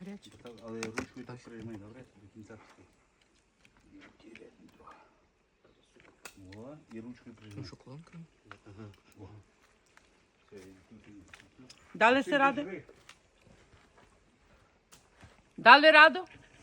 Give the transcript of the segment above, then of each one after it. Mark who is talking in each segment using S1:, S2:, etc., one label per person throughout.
S1: гаряче.
S2: Але ручкою так приймай, добре? До кінця. О, і ручкою прижимай.
S3: Шоколадка.
S2: Ага. О. Все,
S1: Дали си ради? Дали раду?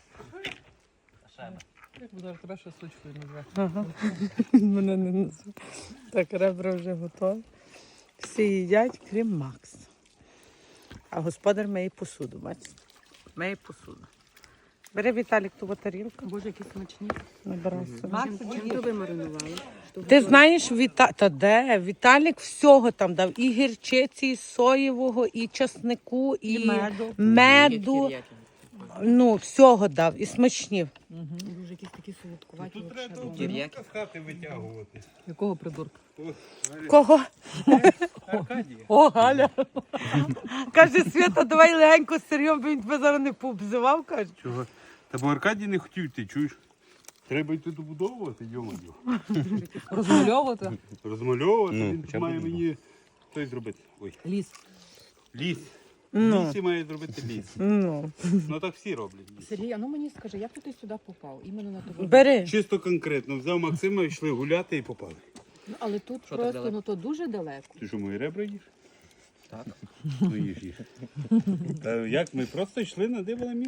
S3: Як буде тебе ще сучкою назвати?
S1: Ага. Мене не назву. Так, ребра вже готові. Всі їдять, крім Макса. А господар миє посуду, бачите? Миє посуду. Бери, Віталік, ту тарілку.
S4: Боже, які смачні.
S1: Набирай собі.
S4: Чим то ви маринували?
S1: Ти знаєш, та де? Віталік всього там дав. І гірчиці, і соєвого, і часнику, і меду. Ну, всього дав. І смачні.
S4: Боже, якісь такі солодкуваті.
S2: Тут треба
S3: Тір'яки.
S2: з хати витягувати.
S3: Якого придурка?
S1: Кого?
S2: Аркадія.
S1: О, Галя. Каже, Свята, давай легенько з Сергієм, бо він тебе зараз не пообзивав, каже.
S2: Чого? Та бо Аркадій не хотів, ти чуєш? Треба йти добудовувати, йо-моє.
S3: Розмальовувати?
S2: Розмальовувати,
S5: Ну,
S2: він
S5: хоча б
S2: має
S5: одного.
S2: мені той зробити. Ой,
S3: Ліс.
S2: ліс.
S1: Ну.
S2: Лісі має зробити ліс.
S1: Ну,
S2: Ну так всі роблять. ліс.
S4: Сергій, а ну мені скажи, як ти сюди попав? Іменно на того.
S1: бери.
S2: Чисто конкретно. Взяв Максима, йшли гуляти і попали.
S4: Ну, але тут
S3: Що так
S4: просто,
S3: далеко?
S4: ну то дуже далеко.
S2: Ти що, мої ребра їш?
S3: Так.
S2: Ну їж. Та як? Ми просто йшли, надибали місце.